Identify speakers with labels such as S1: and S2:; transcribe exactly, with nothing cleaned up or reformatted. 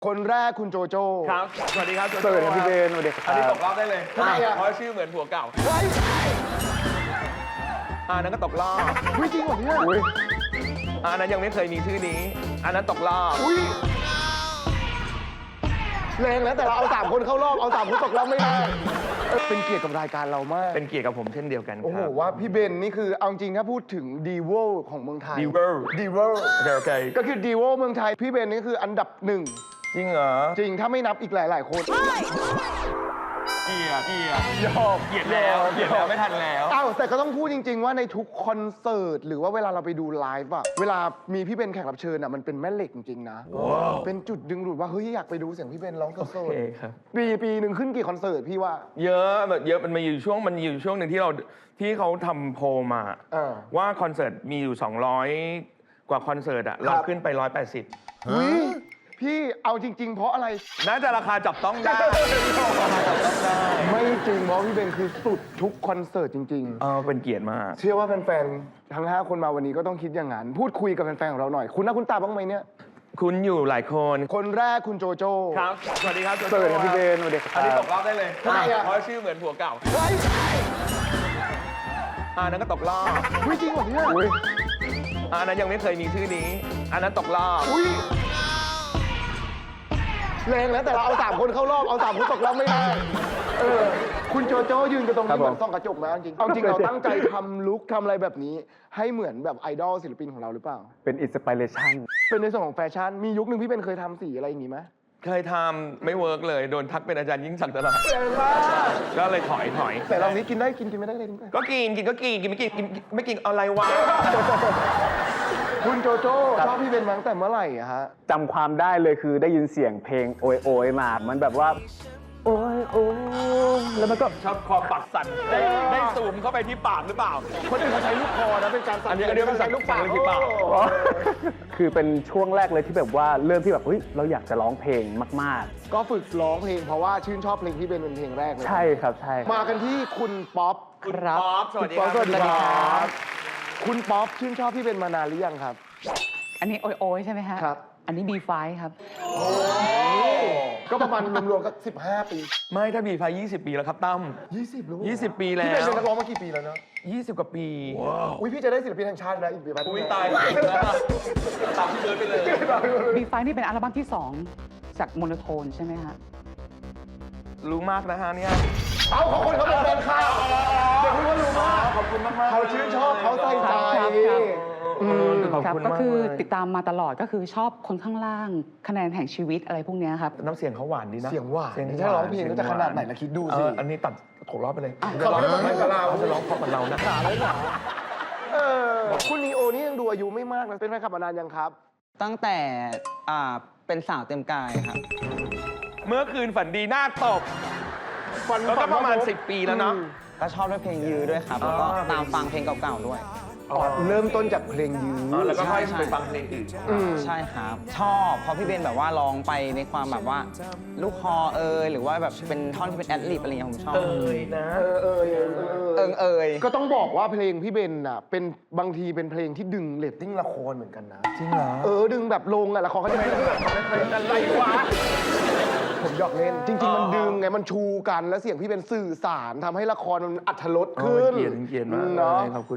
S1: คนแรกคุณโจโจ้
S2: ครับ สวัสดีครับโจ
S3: เสิ
S2: โจ้
S3: ร์ฟนะพี่เบนสวัสดีครับ
S2: อันนี้ตกรอบได้เลย
S1: ทำไมอะ
S2: เพราะชื่อเหมือนผัวเก่า
S1: เฮ้ย
S2: อ่านั้นก็ตกรอบ
S1: อุ๊ยจริงเหรอเนี่ย
S3: อุ้ย
S2: อ่านั้นยังไม่เคยมีชื่อนี้ อันนั้นตกรอบ
S1: อุ้ยแรงแล้วแต่เราเอาสามคนเข้ารอบเอาสามคนตกรอบไม่ได้เออเป็นเกียรติกับรายการเรามาก
S2: เป็นเกียรติกับผมเช่นเดียวกันค
S1: โอ้โห
S2: รับ
S1: ว่าพี่เบนนี่คือเอาจริงถ้าพูดถึงดีเวลของเมืองไทย
S2: ดีเวล
S1: ดีเวล
S2: โอเคโอเค
S1: ก็คือดีเวลเมืองไทยพี่เบนนี่คืออันดับหนึ่ง
S2: จริงเหรอ
S1: จริงถ้าไม่นับอีกหลาย ๆ คน
S2: เกียรติเกียรติ
S1: ยอม
S2: เกียรติแล้วเกียรติแล้วไม่ทันแล้ว
S1: เอ้าแต่ก็ต้องพูดจริง ๆ ว่าในทุกคอนเสิร์ตหรือว่าเวลาเราไปดูไลฟ์อะเวลามีพี่เบนแขกรับเชิญอะมันเป็นแม่เหล็กจริงๆนะเป็นจุดดึงดูดว่าเฮ้ยอยากไปดูเสียงพี่เบนร้องส
S2: โอ
S1: ด
S2: เคครับ
S1: ๆปีปีหนึ่งขึ้นกี่คอนเสิร์ตพี่ว่า
S2: เยอะแบบเยอะมันมีอยู่ช่วงมันมีอยู่ช่วงหนึ่งที่เราที่เขาทำโพลมา
S1: เออ
S2: ว่าคอนเสิร์ตมีอยู่ สองร้อย กว่าคอนเสิร์ตอะเราขึ้นไป หนึ่งร้อยแปดสิบ
S1: อุ้ยพี่เอาจริง ๆ เพราะอะไร
S2: น่าจะราคาจับต้องได้
S1: ไม่จริงเพราะพี่เบนคือสุดทุกคอนเสิร์ตจริง
S2: เออเป็นเกียรติมาก
S1: ๆ เชื่อว่าแฟนๆทั้งห้าคนมาวันนี้ก็ต้องคิดอย่างนั้นพูดคุยกับแฟนๆของเราหน่อย คุณหน้าคุณตาบ้างไหมเนี่ย
S2: คุณอยู่หลายคน
S1: คนแรกคุณโจโจ้
S2: ครับ สวัสดีครับโจ
S3: เสิ
S2: โจ้
S3: ร์ฟนะพี่เบนสวัสดีครับ
S2: อันนี้ตกรอบได้เลย
S1: ทำไมอะ
S2: เพราะชื่อเหมือนผัวเก่า
S1: เฮ้ย
S2: อ่านั้นก็ตกรอบ
S1: อุ๊ยจริงเหรอเนี่ย
S3: อุ้ย
S2: อ่านั้นยังไม่เคยมีชื่อนี้ อันนั้นตกรอบ
S1: อุ้ยแรงแล้วแต่เราเอาสามคนเข้ารอบเอาสามคนตกรอบไม่ได้เออคุณโจโจ้ยืนกันตรงนี้เหมือนส่องกระจกนะจริงเอาจริงเราตั้งใจทำลุคทำอะไรแบบนี้ ให้เหมือนแบบไอดอลศิลปินของเราหรือเปล่า
S3: เป็นอินสปิเรชัน
S1: เป็นในส่วนของแฟชั่นมียุคหนึ่งพี่เป็นเคยทำสีอะไรอย่างงี้ไหม
S2: เคยทำไม่เวิร์กเลย โดนทักเป็นอาจารย์ยิ่งศักดิ์ตลอด
S1: แรงมาก
S2: ก็เลยถอยถอย
S1: แต่ลองนี้กินได้กินกินไม่ได้เลยกินได้
S2: ก็กินกินก็กินกินไม่กินกินไม่กินอะไรวะ
S1: คุณโจโจ้ชอบพี่เบนมาตั้งแต่เมื่อไหร่อะฮะ
S3: จำความได้เลยคือได้ยินเสียงเพลงโอยโอยมา มันแบบว่า โอยโอยแล้วมันก็
S2: ชอบคอปากสั่นได้ได้ซูมเข้าไปที่ปากหรือเปล่า
S1: คนอื่นเขาใช้ลูกคอนะเป็นการสั่น
S2: อันนี้อันนี้เป็นสั่น
S1: ลูกปาก
S2: สั่นเลยที่ปาก
S1: โอ้
S3: คือเป็นช่วงแรกเลยที่แบบว่าเริ่มที่แบบเฮ้ยเราอยากจะร้องเพลงมาก
S1: ก็ฝึกร้องเพลงเพราะว่าชื่นชอบเพลงพี่เบนเป็นเพลงแรกเลย
S3: ๆ ใช่ครับใช่ครับ
S1: มากันที่คุณป๊อป
S2: คุณป๊อปสวัสดี
S1: ป๊
S2: ค
S1: อ
S2: รั
S1: ป
S2: บ
S1: สวัสดีครับคุณป๊อปชื่นชอบพี่เบนมานานหรือยังครับ
S4: อันนี้โอยโอยใช่ไหมฮะ
S1: ครับ
S4: อันนี้ บี ไฟว์ ครับ
S1: ก็ประมาณรวมๆก็สิบห้าปี
S2: ไม่ถ้าบีไฟยี่สิบปีแล้วครับตั้ม
S1: ยี่สิบรู้
S2: ยี่สิบปีแล้ว
S1: พี่เบนเป็นนักร้องมากี่ปีแล้วเนาะ
S2: ยี่สิบกว่าปี
S1: อุ้ยพี่จะได้ศิลปินแห่งชาตินะอีกปีแป๊บ
S2: อุ้ยตายแล้วตามพี่เบิร์ดไปเลย
S4: บี ไฟว์ นี่เป็นอัลบั้มที่ สอง จากโมโนโทนใช่ไหมฮะ
S2: รู้มากนะฮะเนี่ย
S1: เอาเขาคนเขาเป็นแฟนข่าวเดี๋ยวคุณก็รู้มาก
S2: ขอบคุณมากๆ
S1: เขาชื่นชอบเขาใส่ใจ
S4: ครับครับ
S2: อืมขอบ
S4: ครับ
S2: คุณ
S4: ก็
S2: มาก
S4: คือ
S2: เลย
S4: ติดตามมาตลอดก็คือชอบคนข้างล่าง คะแนนแห่งชีวิตอะไรพวกเนี้ยครับ
S2: น้ำเสียงเขาหวานดีนะ
S1: เสียงหวานถ้าร้องเพลงก็จะขนาดไหนล่ะคิดดูสิ
S2: เอออันนี้ตัดตกรอบไปเลย
S1: เขาไม่ได้มาเหมือนกับเรา
S2: เขาจะร้องเพราะเหมือนเรานะ
S1: หนาเลยหนาเออคุณนีโอนี่ยังดูอายุไม่มากนะเป็นแฟนคลับมานานยังครับ
S5: ตั้งแต่อ่าเป็นสาวเต็มกายครับ
S2: เมื่อคืนฝันดีหน้าตบ
S1: ฟัน
S2: แล้วก็ประมาณสิบปีแล้วเนาะ
S5: ก็ชอบด้วยเพลงยื้อด้วยครับ แล้วก็
S2: อ๋อ
S5: ตามฟังเพลงเก่าๆด้วย
S1: อ๋อเริ่มต้นจากเพลงยื้อ
S2: อ๋อแล้วก็ค่อย
S5: ใช่
S2: ไปฟังเพลงอื่น
S1: อืม
S5: ใช่ครับ ชอบเพราะพี่เบนแบบว่าร้องไปในความแบบว่า ลูกคอเอยหรือว่าแบบเป็นท่อนที่เป็นแอดลิบอะไรอย่างเงี้ยผมชอบ
S2: เอยนะ
S1: เออเออเออเออ
S5: เอิงเอย
S1: ก็ต้องบอกว่าเพลงพี่เบนน่ะเป็นบางทีเป็นเพลงที่ดึงเรตติ้งละครเหมือนกันนะ
S2: จริงเหรอ
S1: เออดึงแบบลงอะละครเขาจะไม่ดึงแบบ
S2: อะไรวะ
S1: ผมหยอกเล่น จริง ๆ มันดึงไงมันชูกันแล้วเสียงพี่เป็นสื่อสารทำให้ละครมันอัธรสขึ้น
S2: เกียรติเกียรติมาก
S1: เนาะ
S2: ขอบคุณ